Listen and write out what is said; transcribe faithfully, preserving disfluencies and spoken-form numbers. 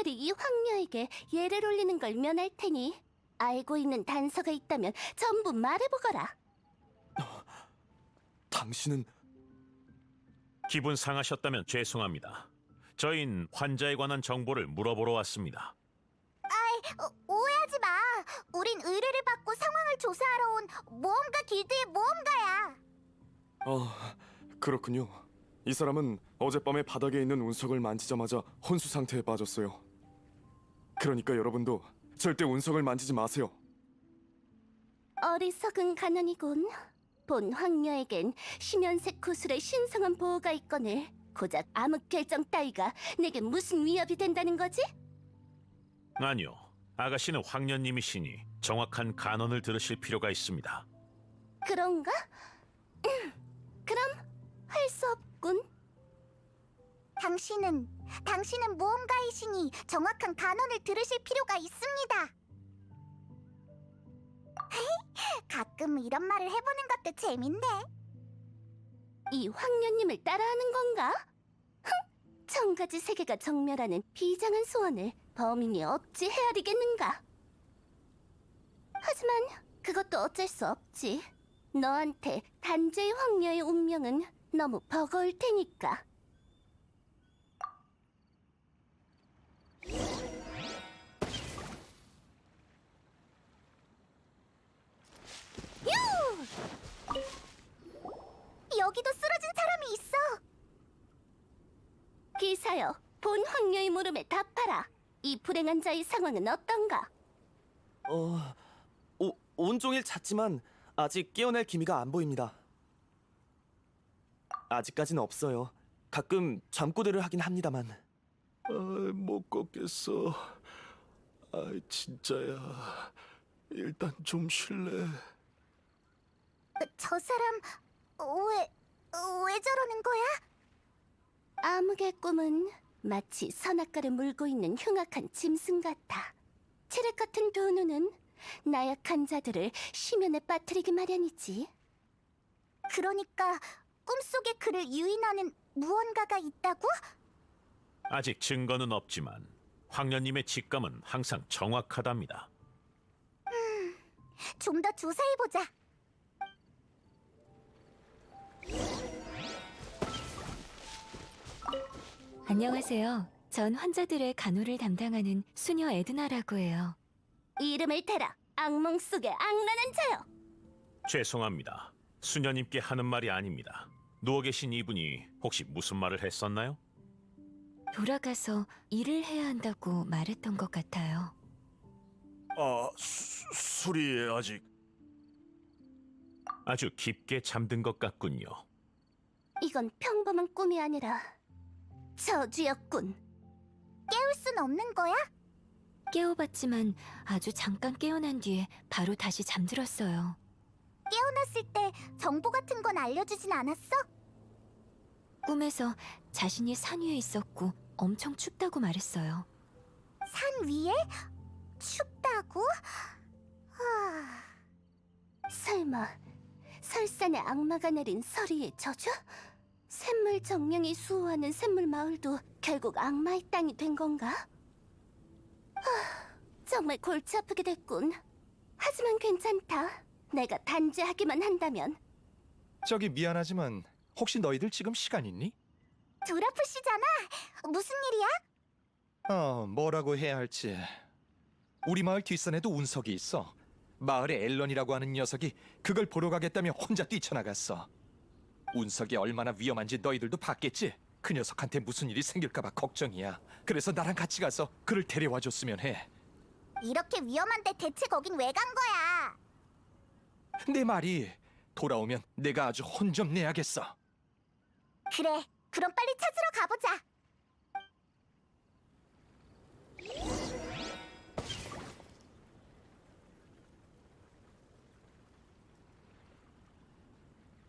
차라리 이 황녀에게 예를 올리는 걸 면할 테니 알고 있는 단서가 있다면 전부 말해보거라. 당신은 기분 상하셨다면 죄송합니다. 저흰 환자에 관한 정보를 물어보러 왔습니다. 어, 오해하지 마. 우린 의뢰를 받고 상황을 조사하러 온 모험가 길드의 모험가야. 아, 그렇군요. 이 사람은 어젯밤에 바닥에 있는 운석을 만지자마자 혼수 상태에 빠졌어요. 그러니까 여러분도 절대 운석을 만지지 마세요. 어리석은 가난이군. 본 황녀에겐 심연색 구슬의 신성한 보호가 있거늘 고작 암흑 결정 따위가 내게 무슨 위협이 된다는 거지? 아니요, 아가씨는 황녀님이시니 정확한 간언을 들으실 필요가 있습니다. 그런가? 음, 그럼 할 수 없군. 당신은 당신은 모험가이시니 정확한 간언을 들으실 필요가 있습니다. 가끔 이런 말을 해보는 것도 재밌네. 이 황녀님을 따라하는 건가? 흥! 천가지 세계가 정멸하는 비장한 소원을 범인이 어찌 헤아리겠는가? 하지만 그것도 어쩔 수 없지. 너한테 단죄의 황녀의 운명은 너무 버거울 테니까. 여기도 쓰러진 사람이 있어. 기사여, 본 황녀의 물음에 답하라. 이 불행한 자의 상황은 어떤가? 어... 오, 온종일 잤지만 아직 깨어날 기미가 안 보입니다. 아직까지는 없어요. 가끔 잠꼬대를 하긴 합니다만. 아, 못 걷겠어. 아, 진짜야. 일단 좀 쉴래. 저 사람 왜, 왜 저러는 거야? 암흑의 꿈은 마치 선악과를 물고 있는 흉악한 짐승 같아. 체력 같은 두 눈은 나약한 자들을 심연에 빠뜨리기 마련이지. 그러니까 꿈속에 그를 유인하는 무언가가 있다고? 아직 증거는 없지만 황녀님의 직감은 항상 정확하답니다. 좀 더 조사해보자. 안녕하세요. 전 환자들의 간호를 담당하는 수녀 에드나라고 해요. 이름을 대라. 악몽 속의 악랄한 자여. 죄송합니다. 수녀님께 하는 말이 아닙니다. 누워 계신 이분이 혹시 무슨 말을 했었나요? 돌아가서 일을 해야 한다고 말했던 것 같아요. 아, 수, 술이 아직... 아주 깊게 잠든 것 같군요. 이건 평범한 꿈이 아니라 저주였군. 깨울 순 없는 거야? 깨워봤지만 아주 잠깐 깨어난 뒤에 바로 다시 잠들었어요. 깨어났을 때 정보 같은 건 알려주진 않았어? 꿈에서 자신이 산 위에 있었고 엄청 춥다고 말했어요. 산 위에? 춥다고? 하... 설마 설산의 악마가 내린 서리의 저주? 샘물 정령이 수호하는 샘물 마을도 결국 악마의 땅이 된 건가? 하, 정말 골치 아프게 됐군. 하지만 괜찮다. 내가 단죄하기만 한다면. 저기 미안하지만 혹시 너희들 지금 시간 있니? 드라프시잖아. 무슨 일이야? 어, 뭐라고 해야 할지. 우리 마을 뒷산에도 운석이 있어. 마을에 앨런이라고 하는 녀석이 그걸 보러 가겠다며 혼자 뛰쳐나갔어. 운석이 얼마나 위험한지 너희들도 봤겠지? 그 녀석한테 무슨 일이 생길까봐 걱정이야. 그래서 나랑 같이 가서 그를 데려와 줬으면 해. 이렇게 위험한데 대체 거긴 왜 간 거야? 내 말이 돌아오면 내가 아주 혼 좀 내야겠어. 그래, 그럼 빨리 찾으러 가보자.